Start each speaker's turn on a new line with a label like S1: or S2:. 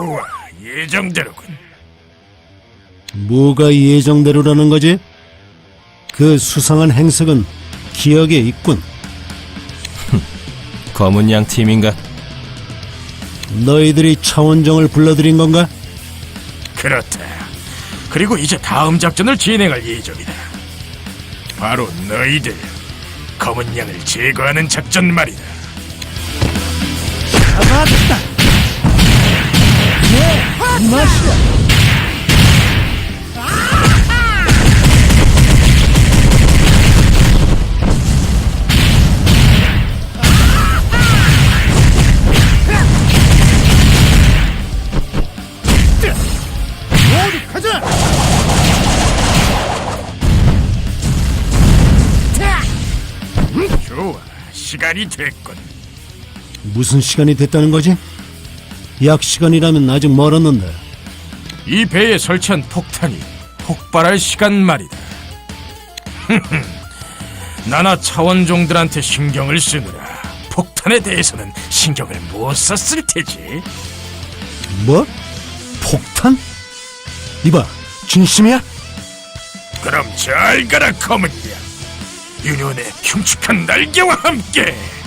S1: 좋아, 예정대로군.
S2: 뭐가 예정대로라는 거지? 그 수상한 행색은 기억에 있군.
S3: 검은 양 팀인가?
S2: 너희들이 차원정을 불러들인 건가?
S1: 그렇다. 그리고 이제 다음 작전을 진행할 예정이다. 바로 너희들 검은 양을 제거하는 작전 말이다.
S2: 잡았다! 이 맛이야! 모두 가자!
S1: 좋아, 시간이 됐군.
S2: 무슨 시간이 됐다는 거지? 약 시간이라면 아직 멀었는데.
S1: 이 배에 설치한 폭탄이 폭발할 시간 말이다. 나나 차원종들한테 신경을 쓰느라 폭탄에 대해서는 신경을 못 썼을 테지.
S2: 뭐? 폭탄? 이봐, 진심이야?
S1: 그럼 잘 가라, 검은 양. 유년의 흉측한 날개와 함께.